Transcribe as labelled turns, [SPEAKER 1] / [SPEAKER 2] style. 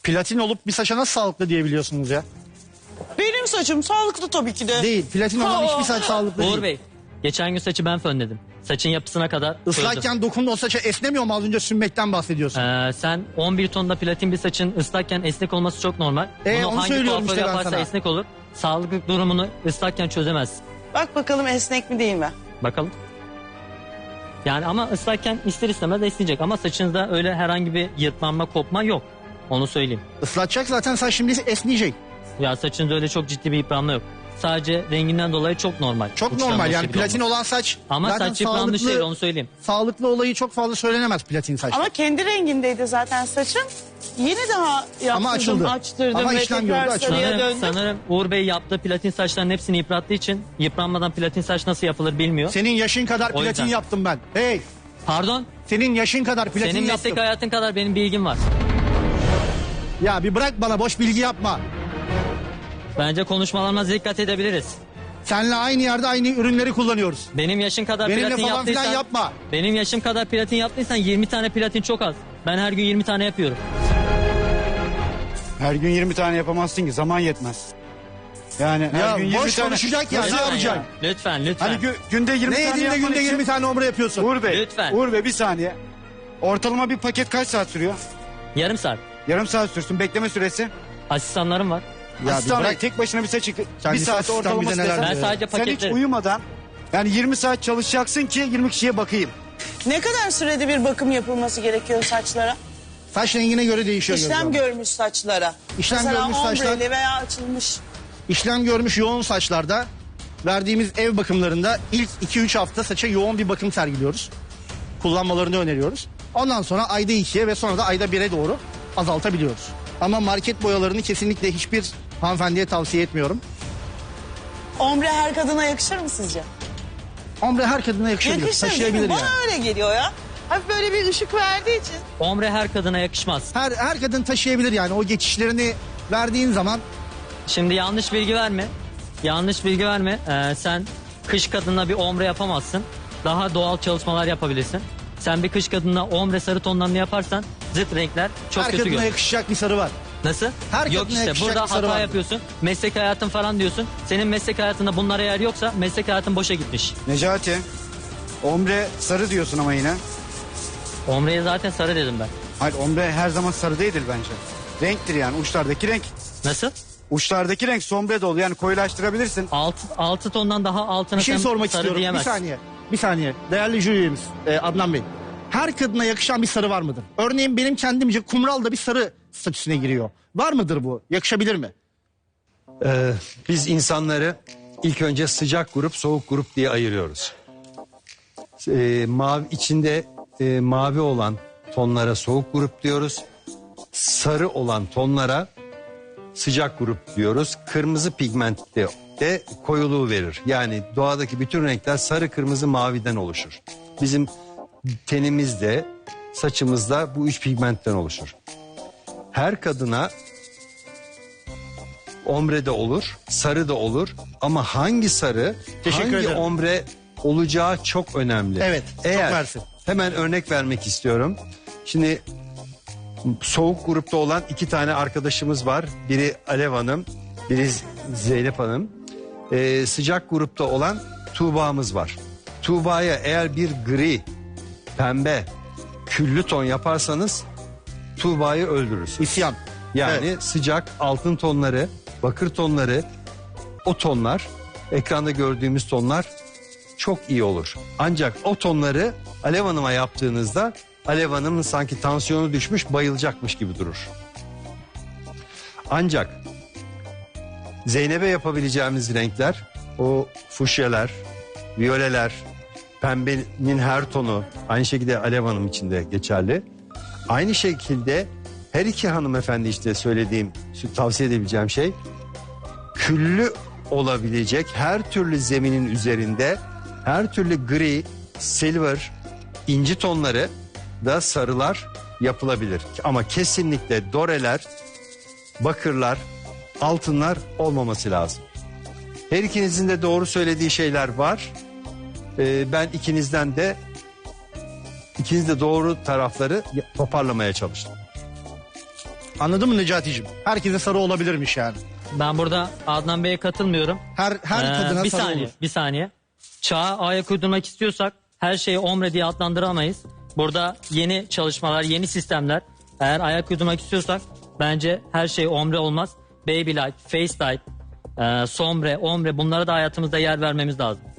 [SPEAKER 1] Platin olup bir saça nasıl sağlıklı diyebiliyorsunuz ya?
[SPEAKER 2] Benim saçım sağlıklı tabii ki de.
[SPEAKER 1] Değil. Platin olan hiçbir saç sağlıklı değil.
[SPEAKER 3] Uğur Bey, geçen gün saçı ben fönledim. Saçın yapısına kadar çözdüm.
[SPEAKER 1] Islakken dokunduğun o saça esnemiyor mu? Az önce sünmekten bahsediyorsun.
[SPEAKER 3] Sen 11 tonda platin bir saçın ıslakken esnek olması çok normal.
[SPEAKER 1] onu
[SPEAKER 3] Bunu hangi
[SPEAKER 1] söylüyorum
[SPEAKER 3] kuaför
[SPEAKER 1] işte ben
[SPEAKER 3] yaparsa
[SPEAKER 1] sana.
[SPEAKER 3] esnek olur. Sağlıklı durumunu ıslakken çözemezsin.
[SPEAKER 2] Bak bakalım esnek mi değil mi?
[SPEAKER 3] Bakalım. Yani ama ıslakken ister istemez esneyecek. Ama saçınızda öyle herhangi bir yırtlanma, kopma yok. Onu söyleyeyim.
[SPEAKER 1] Islatacak zaten saç şimdi esneyecek.
[SPEAKER 3] Ya saçınızda öyle çok ciddi bir yıpranma yok. Sadece renginden dolayı çok normal.
[SPEAKER 1] Çok
[SPEAKER 3] Uçtan
[SPEAKER 1] normal
[SPEAKER 3] başı
[SPEAKER 1] yani
[SPEAKER 3] gibi
[SPEAKER 1] platin
[SPEAKER 3] olması.
[SPEAKER 1] olan saç.
[SPEAKER 3] Ama
[SPEAKER 1] zaten
[SPEAKER 3] saç yıpranmış değil, onu söyleyeyim.
[SPEAKER 1] Sağlıklı olayı çok fazla söylenemez platin saçta.
[SPEAKER 2] Ama kendi rengindeydi zaten saçım. Yeni daha yaptırdım,
[SPEAKER 1] açıldı.
[SPEAKER 2] açtırdım
[SPEAKER 1] Ama
[SPEAKER 2] ve
[SPEAKER 1] işlem
[SPEAKER 2] tekrar
[SPEAKER 1] gördü, açıldı.
[SPEAKER 2] sarıya döndüm.
[SPEAKER 3] Sanırım Uğur Bey yaptığı platin saçların hepsini yıprattığı için yıpranmadan platin saç nasıl yapılır bilmiyor.
[SPEAKER 1] Senin yaşın kadar
[SPEAKER 3] O
[SPEAKER 1] platin
[SPEAKER 3] yüzden.
[SPEAKER 1] yaptım ben. Hey,
[SPEAKER 3] Pardon?
[SPEAKER 1] senin yaşın kadar platin
[SPEAKER 3] Senin
[SPEAKER 1] yaptım.
[SPEAKER 3] meslek hayatın kadar benim bilgim var.
[SPEAKER 1] Ya bir bırak bana, boş bilgi yapma.
[SPEAKER 3] Bence konuşmalarına dikkat edebiliriz.
[SPEAKER 1] Seninle aynı yerde aynı ürünleri kullanıyoruz.
[SPEAKER 3] Benim yaşım kadar
[SPEAKER 1] Benimle
[SPEAKER 3] platin
[SPEAKER 1] falan
[SPEAKER 3] yaptıysan...
[SPEAKER 1] filan yapma.
[SPEAKER 3] Benim yaşım kadar platin yaptıysan 20 tane platin çok az. Ben her gün 20 tane yapıyorum.
[SPEAKER 4] Her gün 20 tane yapamazsın ki, zaman yetmez. Yani her
[SPEAKER 1] Ya
[SPEAKER 4] gün 20
[SPEAKER 1] boş
[SPEAKER 4] tane
[SPEAKER 1] konuşacak ya, ne
[SPEAKER 4] Nasıl
[SPEAKER 1] yapacaksın?
[SPEAKER 3] Lütfen, lütfen.
[SPEAKER 4] Hani günde 20
[SPEAKER 1] Ne
[SPEAKER 4] tane
[SPEAKER 1] yediğinde
[SPEAKER 4] yapman
[SPEAKER 1] günde
[SPEAKER 4] için-
[SPEAKER 1] 20 tane omre yapıyorsun.
[SPEAKER 4] Uğur Bey,
[SPEAKER 3] Lütfen.
[SPEAKER 4] Uğur Bey bir saniye. Ortalama bir paket kaç saat sürüyor?
[SPEAKER 3] Yarım saat.
[SPEAKER 4] Yarım saat sürsün. Bekleme süresi.
[SPEAKER 3] Asistanlarım var.
[SPEAKER 1] Ya
[SPEAKER 4] Asistan
[SPEAKER 1] bir
[SPEAKER 4] Bey,
[SPEAKER 1] bırak.
[SPEAKER 4] tek başına bir saç bir
[SPEAKER 1] Kendisi
[SPEAKER 4] saat
[SPEAKER 1] asistan
[SPEAKER 4] ortalaması
[SPEAKER 1] bize neler
[SPEAKER 4] desen,
[SPEAKER 3] Ben sadece
[SPEAKER 4] sen hiç
[SPEAKER 3] paketlerim.
[SPEAKER 4] uyumadan yani 20 saat çalışacaksın ki 20 kişiye bakayım.
[SPEAKER 2] Ne kadar sürede bir bakım yapılması gerekiyor saçlara?
[SPEAKER 1] Saç rengine göre değişiyor.
[SPEAKER 2] İşlem
[SPEAKER 1] Gözlem.
[SPEAKER 2] görmüş saçlara.
[SPEAKER 1] İşlem
[SPEAKER 2] Mesela
[SPEAKER 1] görmüş saçlar-
[SPEAKER 2] ombreli veya açılmış.
[SPEAKER 1] İşlem görmüş yoğun saçlarda verdiğimiz ev bakımlarında ilk 2-3 hafta saça yoğun bir bakım sergiliyoruz. Kullanmalarını öneriyoruz. Ondan sonra ayda 2'ye ve sonra da ayda 1'e doğru azaltabiliyoruz. Ama market boyalarını kesinlikle hiçbir hanımefendiye tavsiye etmiyorum.
[SPEAKER 2] Ombre her kadına yakışır mı sizce?
[SPEAKER 1] Ombre her kadına yakışabilir,
[SPEAKER 2] Yakışır değil
[SPEAKER 1] taşıyabilir
[SPEAKER 2] mi?
[SPEAKER 1] yani.
[SPEAKER 2] Bana öyle geliyor ya. Hafif böyle bir ışık verdiği için.
[SPEAKER 3] Ombre her kadına yakışmaz.
[SPEAKER 1] Her kadın taşıyabilir yani, o geçişlerini verdiğin zaman.
[SPEAKER 3] Şimdi yanlış bilgi verme. Yanlış bilgi verme. Sen kış kadınla bir ombre yapamazsın. Daha doğal çalışmalar yapabilirsin. Sen bir kış kadınla ombre sarı tonlarını yaparsan zıt renkler çok
[SPEAKER 1] Her
[SPEAKER 3] kötü
[SPEAKER 1] kadına
[SPEAKER 3] görünür.
[SPEAKER 1] yakışacak bir sarı var.
[SPEAKER 3] Nasıl?
[SPEAKER 1] her
[SPEAKER 3] Yok
[SPEAKER 1] kadına
[SPEAKER 3] işte
[SPEAKER 1] yakışacak
[SPEAKER 3] burada
[SPEAKER 1] bir sarı
[SPEAKER 3] hata
[SPEAKER 1] vardır.
[SPEAKER 3] yapıyorsun. Meslek hayatın falan diyorsun. Senin meslek hayatında bunlara yer yoksa meslek hayatın boşa gitmiş.
[SPEAKER 4] Necati, ombre sarı diyorsun ama yine.
[SPEAKER 3] Ombreye zaten sarı dedim ben.
[SPEAKER 4] Hayır, ombre her zaman sarı değildir bence. Renktir yani, uçlardaki renk.
[SPEAKER 3] Nasıl?
[SPEAKER 4] Uçlardaki renk sombre de olur yani, koyulaştırabilirsin.
[SPEAKER 3] 6 tondan daha altına
[SPEAKER 1] Bir şey
[SPEAKER 3] sen
[SPEAKER 1] sormak
[SPEAKER 3] sarı
[SPEAKER 1] istiyorum.
[SPEAKER 3] diyemezsin.
[SPEAKER 1] Bir saniye. Değerli jüri üyemiz Adnan Bey. Her kadına yakışan bir sarı var mıdır? Örneğin benim kendimce kumral da bir sarı statüsüne giriyor. Var mıdır bu? Yakışabilir mi?
[SPEAKER 5] Biz insanları ilk önce sıcak grup, soğuk grup diye ayırıyoruz. Mavi içinde mavi olan tonlara soğuk grup diyoruz. Sarı olan tonlara sıcak grup diyoruz. Kırmızı pigmentte de koyuluğu verir. Yani doğadaki bütün renkler sarı, kırmızı, maviden oluşur. Bizim tenimizde, saçımızda bu üç pigmentten oluşur. Her kadına ombre de olur, sarı da olur ama hangi sarı,
[SPEAKER 1] Teşekkür
[SPEAKER 5] hangi
[SPEAKER 1] ederim.
[SPEAKER 5] ombre olacağı çok önemli.
[SPEAKER 1] Evet, çok mersi.
[SPEAKER 5] Hemen örnek vermek istiyorum. Şimdi soğuk grupta olan 2 tane arkadaşımız var. Biri Alev Hanım, biri Zeynep Hanım. Sıcak grupta olan Tuğba'mız var. Tuğba'ya eğer bir gri, pembe, küllü ton yaparsanız Tuğba'yı öldürürsünüz.
[SPEAKER 1] İsyan.
[SPEAKER 5] Yani
[SPEAKER 1] Evet.
[SPEAKER 5] sıcak altın tonları, bakır tonları, o tonlar, ekranda gördüğümüz tonlar çok iyi olur. Ancak o tonları Alev Hanım'a yaptığınızda Alev Hanım'ın sanki tansiyonu düşmüş, bayılacakmış gibi durur. Ancak Zeynep'e yapabileceğimiz renkler o fuşyalar, viyoleler, pembenin her tonu, aynı şekilde Alev Hanım için de geçerli. Aynı şekilde her iki hanımefendi işte söylediğim, tavsiye edebileceğim şey, küllü olabilecek her türlü zeminin üzerinde her türlü gri, silver, inci tonları da sarılar yapılabilir. Ama kesinlikle doreler, bakırlar, altınlar olmaması lazım. Her ikinizin de doğru söylediği şeyler var. Ben ikiniz de doğru tarafları toparlamaya çalıştım.
[SPEAKER 1] Anladın mı Necati'cim? Herkese sarı olabilirmiş yani.
[SPEAKER 3] Ben burada Adnan Bey'e katılmıyorum.
[SPEAKER 1] Her kadına
[SPEAKER 3] bir
[SPEAKER 1] sarı
[SPEAKER 3] saniye,
[SPEAKER 1] olur.
[SPEAKER 3] bir saniye. Çağa ayak uydurmak istiyorsak her şeyi ombre diye adlandıramayız. Burada yeni çalışmalar, yeni sistemler. Eğer ayak uydurmak istiyorsak bence her şey ombre olmaz. Baby light, face light, sombre, ombre bunlara da hayatımızda yer vermemiz lazım.